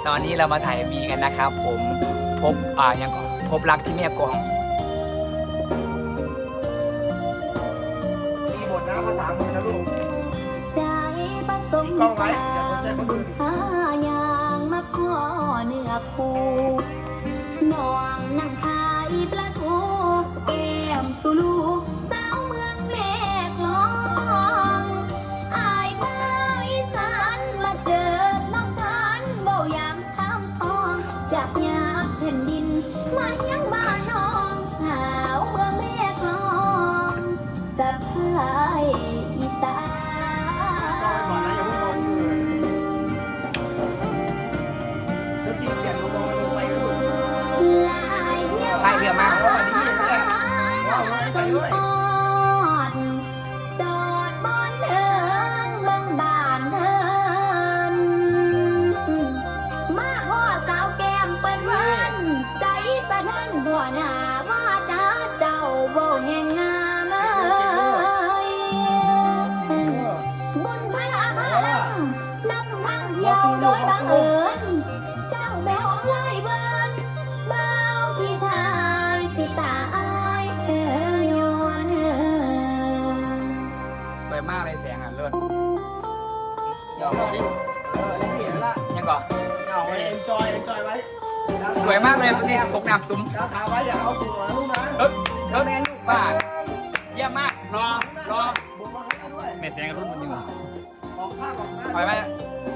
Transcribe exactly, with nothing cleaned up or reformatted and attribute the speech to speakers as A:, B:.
A: ตอนนี้เรามาถ่ายมีกันนะครับผมพบอ่ายังก่อนพบรักที่แม่กลอง
B: มีหมดนะภาษามือนะลูก
C: ใจผสม
B: กล้องไว้อย่าสนใจคนอื่น
C: หายางมาขอเนื้อคู่น้องนั่งขายปลาทูแก้มตุลูสาวเมืองแม่กลองอายบ้าวอีสานมาเจอน้องทานเบาอยางทำทองอยากอยากแผ่นดินมายังบ้านน้องสาวเมืองแม่กลองสะพายอีสาน
B: ก่อนนะอย่าเพิ่งมองแล้วตีเขียนลงมองลงไปลูก
A: พายเรือมาเพราะวันนี้เพื่อน
B: ไปด้วย
C: จอดบอนเทิงเบิ่งบ้านเทินมาพ่อสาวแก้มเปิ้นเพิ่นใจสะเทินบัวหน้าว่าจ้าเจ้าโบแห่งงามเอ้ยบุญพระพาลังนำทางเที่ยวโดยบังเอิญเจ้าแมวไล่เบิ้นเบาพี่ชายสิตายเอ้ยย้อนเอ้ย
A: สวยมากเลยแสงอ่ะเลิศยอมดิ
B: เออเล่นเขียนละ
A: ยังก่อน
B: เอาไว้เอ็นจอยเอ็นจอยไว้
A: สวยมากเลยตัวนี้ปกน้ำตุ้ม
B: แล้วถามไว้อย่าเอาตัวนะลูกนะ
A: เฮ้ยเท่านี้ลูกบ้านเยี่ยมมากรอรอ
B: บุกมาให้ด้วย
D: แม่แสงกับรุ่นมันยัง
B: ออกข้างออกหน้า
A: ปล่อยไป
B: เ